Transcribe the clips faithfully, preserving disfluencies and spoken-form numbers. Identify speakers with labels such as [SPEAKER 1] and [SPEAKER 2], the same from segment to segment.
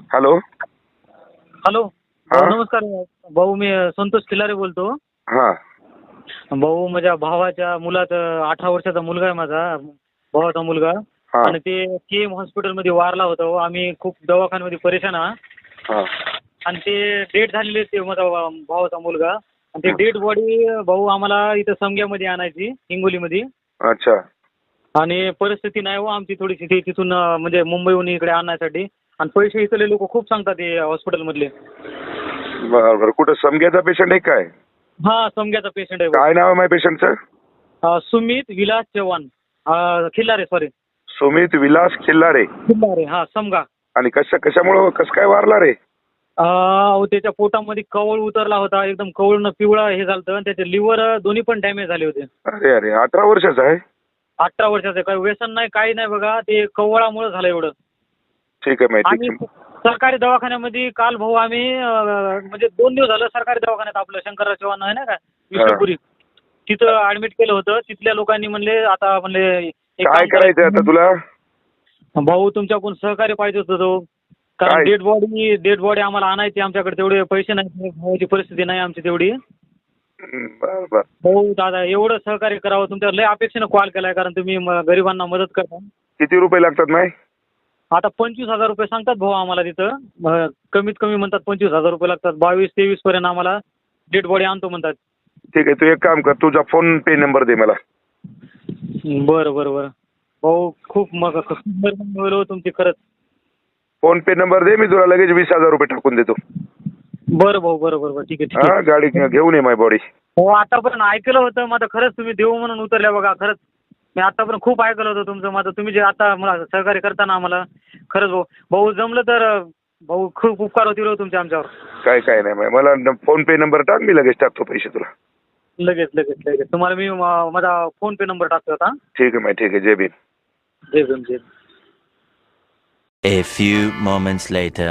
[SPEAKER 1] Hello.
[SPEAKER 2] Hello
[SPEAKER 1] हा?
[SPEAKER 2] भाऊ नमस्कार. भाऊ मी संतोष खिलारे बोलतो.
[SPEAKER 1] हा
[SPEAKER 2] भाऊ माझ्या भावाच्या मुलाचा अठरा वर्षाचा मुलगा आहे माझा भावाचा मुलगा.
[SPEAKER 1] हा
[SPEAKER 2] आणि ते के एम हॉस्पिटलमध्ये वारला होता हो. आम्ही खूप दवाखान्यामध्ये परेशान आहात.
[SPEAKER 1] हा
[SPEAKER 2] आणि ते डेट झालेले ते माझा भावाचा मुलगा. आणि ते डेड बॉडी भाऊ आम्हाला इथं समग्यामध्ये आणायची हिंगोलीमध्ये.
[SPEAKER 1] अच्छा.
[SPEAKER 2] आणि परिस्थिती नाही हो आमची थोडीशी ती तिथून अं, म्हणजे मुंबईहून इकडे आणण्यासाठी. आणि पैसे इथले लोक खूप सांगतात हे हॉस्पिटलमधले.
[SPEAKER 1] बरं बरं. कुठं समग्याचा पेशंट आहे काय?
[SPEAKER 2] हा समग्याचा पेशंट आहे भाऊ.
[SPEAKER 1] काय नाव आहे माझ्या पेशंटचं?
[SPEAKER 2] अं, सुमित विलास चव्हाण अं, खिल्लारे सॉरी
[SPEAKER 1] सुमित विलास खिल्लारे.
[SPEAKER 2] खिल्लारे हा समगा.
[SPEAKER 1] आणि कशा कशामुळं कसं काय वारला रे?
[SPEAKER 2] अं, त्याच्या पोटामध्ये कवळ उतरला होता एकदम कवळनं पिवळा हे झालं आणि त्याचे लिव्हर दोन्ही पण डॅमेज झाले होते.
[SPEAKER 1] अरे अरे अठरा वर्षाचा आहे.
[SPEAKER 2] अठरा वर्षाचं काही व्यसन नाही काही नाही बघा ते कवळामुळे झालं एवढं.
[SPEAKER 1] ठीक आहे माहिती
[SPEAKER 2] आम्ही सरकारी दवाखान्यामध्ये काल भाऊ आम्ही अं, म्हणजे दोन दिवस झालं सरकारी दवाखान्यात आपलं शंकरराव चव्हाण आहे ना का विष्णुपुरी तिथं ऍडमिट केलं होतं. तिथल्या लोकांनी म्हणले आता म्हणले एक
[SPEAKER 1] काय
[SPEAKER 2] काम
[SPEAKER 1] करायचं आता तुला?
[SPEAKER 2] भाऊ तुमच्याकडून सहकार्य पाहिजे होतं तो.
[SPEAKER 1] काय?
[SPEAKER 2] कारण डेड बॉडी डेड बॉडी आम्हाला आणायची आमच्याकडे तेवढे पैसे नाही भावाची परिस्थिती नाही आमची तेवढी.
[SPEAKER 1] बर बर.
[SPEAKER 2] हो दादा एवढं सहकार्य करावं तुमच्या लय अपेक्षेनं कॉल केलाय कारण तुम्ही म- गरिबांना मदत करता.
[SPEAKER 1] किती रुपये लागतात नाही?
[SPEAKER 2] आता पंचवीस हजार रुपये सांगतात भाऊ आम्हाला तिथं. म- कमीत कमी म्हणतात पंचवीस हजार रुपये लागतात. बावीस तेवीस पर्यंत आम्हाला डेड बॉडी आणतो म्हणतात.
[SPEAKER 1] ठीक आहे तू एक काम कर तुझा फोन पे नंबर दे मला.
[SPEAKER 2] बरं बरं बरं भाऊ खूप मग खूप मेहरबानी होईल हो तुमची खरंच.
[SPEAKER 1] फोन पे नंबर दे मी तुला लगेच वीस हजार रुपये टाकून देतो.
[SPEAKER 2] बरं भाऊ बरं बरं बरं ठीक आहे ठीक
[SPEAKER 1] हा
[SPEAKER 2] आहे.
[SPEAKER 1] गाडी घेऊन ये माय बॉडी.
[SPEAKER 2] हो आतापर्यंत ऐकलं होतं माझं खरंच तुम्ही देऊ म्हणून उतरल्या बघा खरंच. मी आतापर्यंत खूप ऐकलं होतं तुमचं माझं तुम्ही जे आता मला सहकार्य करताना आम्हाला खरंच भाऊ भाऊ जमलं तर भाऊ खूप उपकार होतील हो तुमचे आमच्यावर.
[SPEAKER 1] काय काय नाही माय. मला फोन पे नंबर टाक मी लगेच टाकतो पैसे तुला.
[SPEAKER 2] लगेच लगेच लगेच तुम्हाला मी मा- माझा फोन पे नंबर टाकतो आता.
[SPEAKER 1] ठीक आहे माय ठीक आहे. जय भीम.
[SPEAKER 2] जय भीम जय Bhim.
[SPEAKER 3] A few moments later.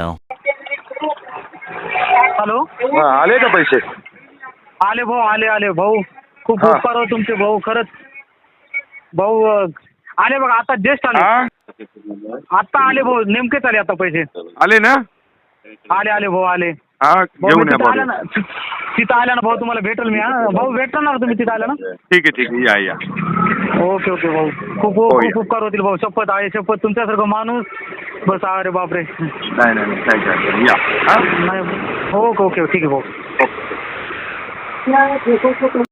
[SPEAKER 2] Hello
[SPEAKER 1] हा आले का पैसे?
[SPEAKER 2] आले भाऊ आले आले भाऊ खूप
[SPEAKER 1] हा.
[SPEAKER 2] उपकार हो तुमचे भाऊ खरंच. भाऊ अं, आले बघा आता जस्ट आले.
[SPEAKER 1] हा
[SPEAKER 2] आता आले भाऊ नेमकेच आले आता पैसे.
[SPEAKER 1] आले ना?
[SPEAKER 2] आले आले भाऊ आले.
[SPEAKER 1] हा
[SPEAKER 2] भाऊ
[SPEAKER 1] घेऊन
[SPEAKER 2] मी
[SPEAKER 1] या
[SPEAKER 2] तिथं आल्या
[SPEAKER 1] बॉडी.
[SPEAKER 2] ना ति- तिथं आल्या ना भाऊ तुम्हाला भेटेल मी हा भाऊ भेटणार ना तुम्ही तिथं आल्या ना.
[SPEAKER 1] ठीक आहे ठीक आहे या या.
[SPEAKER 2] ओके ओके भाऊ खूप
[SPEAKER 1] हो,
[SPEAKER 2] खूप
[SPEAKER 1] या.
[SPEAKER 2] उपकार होतील भाऊ शपथ आहे शपथ तुमच्यासारखं माणूस बस अरे बापरे.
[SPEAKER 1] नाही नाही नाही काय काय या. हा
[SPEAKER 2] नाही ओके ओके ठीक आहे भाऊ.
[SPEAKER 1] ओके.